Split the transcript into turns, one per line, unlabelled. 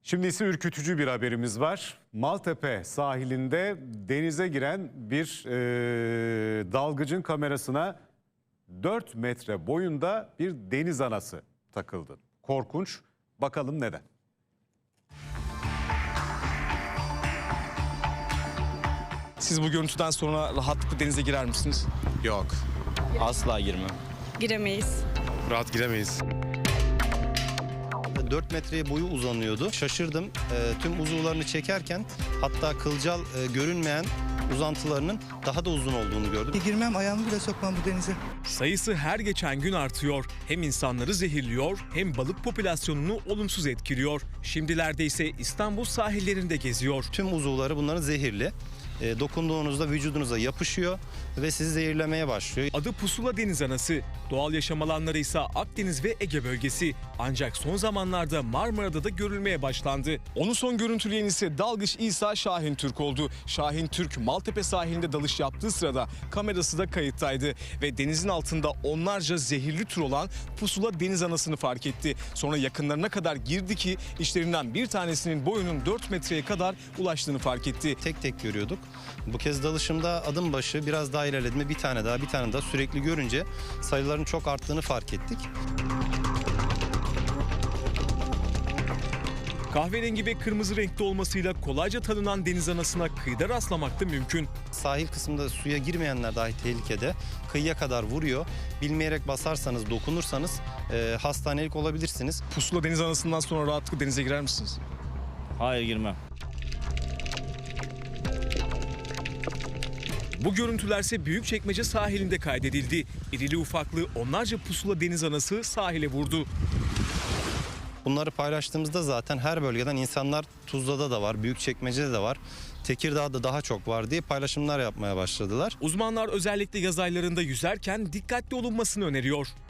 Şimdi ise ürkütücü bir haberimiz var. Maltepe sahilinde denize giren bir dalgıcın kamerasına 4 metre boyunda bir deniz anası takıldı. Korkunç. Bakalım neden?
Siz bu görüntüden sonra rahatlıkla denize girer misiniz?
Yok.
Asla girmem.
Giremeyiz.
Rahat giremeyiz.
4 metreye boyu uzanıyordu. Şaşırdım. Tüm uzuvlarını çekerken hatta kılcal görünmeyen uzantılarının daha da uzun olduğunu gördüm.
Girmem, ayağımı bile sokmam bu denize.
Sayısı her geçen gün artıyor. Hem insanları zehirliyor hem balık popülasyonunu olumsuz etkiliyor. Şimdilerde ise İstanbul sahillerinde geziyor.
Tüm uzuvları bunların zehirli. Dokunduğunuzda vücudunuza yapışıyor ve sizi zehirlemeye başlıyor.
Adı pusula deniz anası. Doğal yaşam alanları ise Akdeniz ve Ege bölgesi. Ancak son zamanlarda Marmara'da da görülmeye başlandı.
Onu son görüntüleyen ise dalgıç İsa Şahin Türk oldu. Şahin Türk Maltepe sahilinde dalış yaptığı sırada kamerası da kayıttaydı. Ve denizin altında onlarca zehirli tür olan pusula deniz anasını fark etti. Sonra yakınlarına kadar girdi ki işlerinden bir tanesinin boyunun 4 metreye kadar ulaştığını fark etti.
Tek tek görüyorduk. Bu kez dalışımda adım başı biraz daha ilerlediğimde bir tane daha sürekli görünce sayıların çok arttığını fark ettik.
Kahverengi ve kırmızı renkte olmasıyla kolayca tanınan deniz anasına kıyıda rastlamak da mümkün.
Sahil kısmında suya girmeyenler dahi tehlikede. Kıyıya kadar vuruyor. Bilmeyerek basarsanız, dokunursanız hastanelik olabilirsiniz.
Pusula deniz anasından sonra rahatlıkla denize girer misiniz?
Hayır, girmem.
Bu görüntülerse Büyükçekmece sahilinde kaydedildi. İrili ufaklı onlarca pusula deniz anası sahile vurdu.
Bunları paylaştığımızda zaten her bölgeden insanlar Tuzla'da da var, Büyükçekmece'de de var, Tekirdağ'da daha çok var diye paylaşımlar yapmaya başladılar.
Uzmanlar özellikle yaz aylarında yüzerken dikkatli olunmasını öneriyor.